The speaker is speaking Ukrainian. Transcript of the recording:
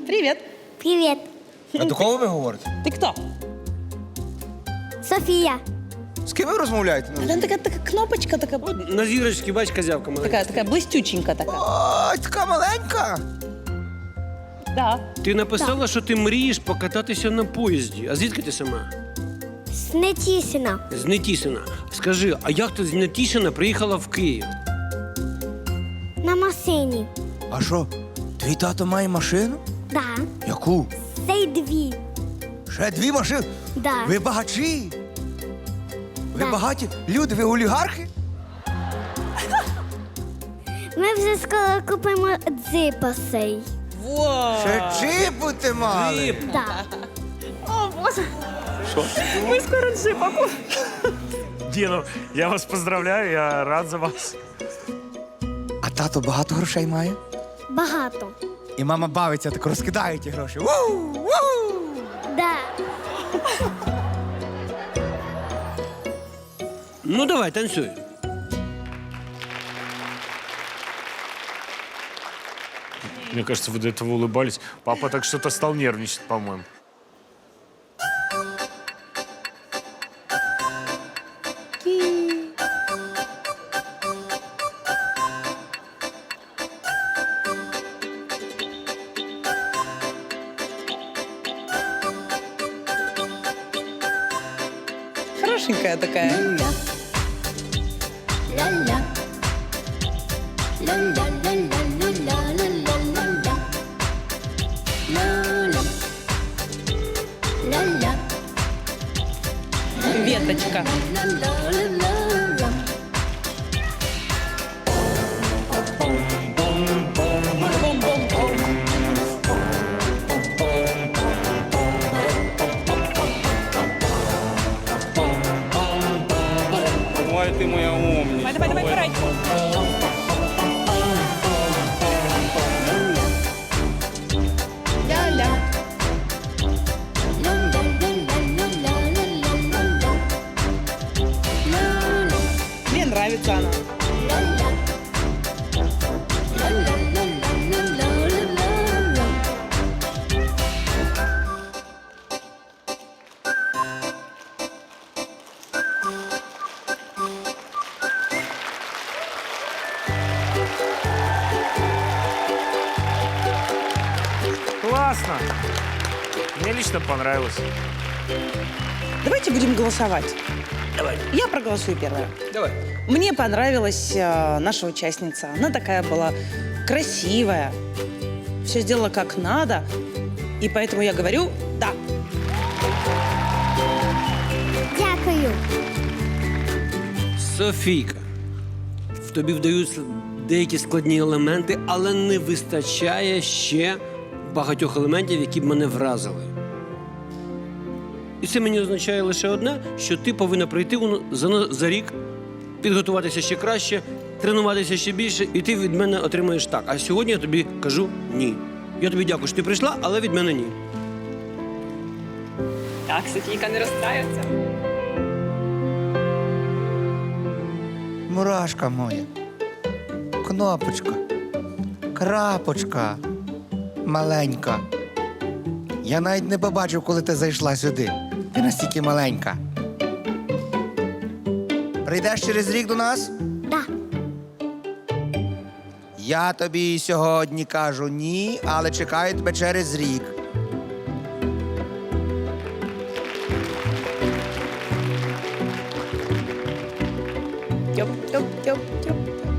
Привет. Привіт. А до кого ви говорите? Ты кто? Софія. З ким ви розмовляєте? Она такая кнопочка, такая, На зірочці, бач, козявка маленька. такая блестюченькая такая. Ой, така маленька. Да. Ти написала, що ти мрієш покататися на поїзді. А звідки ти сама? З Нетішина. З Нетішина. Скажи, а як ти з Нетішина приїхала в Київ? На машині. А що, твій тато має машину? Да. Яку? Цей дві. Ще 2 машини? Да. Ви багачі? Ви Да. багаті люди, ви олігархи? Ми вже скоро купимо джипа сей. Во. Ще чіпути мали. Да. Мы скоро джипа купим. Діно, я вас поздравляю, я рад за вас. А тато багато грошей має? Багато. І мама бавиться, так розкидає ті гроші. Ву! Ву! Да. Ну, давай, танцюй. Мне кажется, вы до этого улыбались. Папа так что-то стал нервничать, по-моему. Хорошенькая такая. Веточка. Ой, ты моя умница. Давай, давай, давай, Ля-ля. Мне нравится она. Классно! Мне лично понравилось. Давайте будем голосовать. Давай. Я проголосую первая. Давай. Мне понравилась наша участница. Она такая была красивая, все сделала как надо, и поэтому я говорю «да». Дякую. Софійка, в тобі вдаються деякі складні елементи, але не вистачає ще багатьох елементів, які б мене вразили. І це мені означає лише одне, що ти повинна прийти за рік, підготуватися ще краще, тренуватися ще більше, і ти від мене отримаєш так. А сьогодні я тобі кажу ні. Я тобі дякую, що ти прийшла, але від мене ні. Так, Софійка не розстраюється. Мурашка моя. Кнопочка. Крапочка. Маленька. Я навіть не побачив, коли ти зайшла сюди. Ти настільки маленька. Прийдеш через рік до нас? Да. Я тобі сьогодні кажу ні, але чекаю тебе через рік. Тьоп-тьоп-тьоп-тьоп.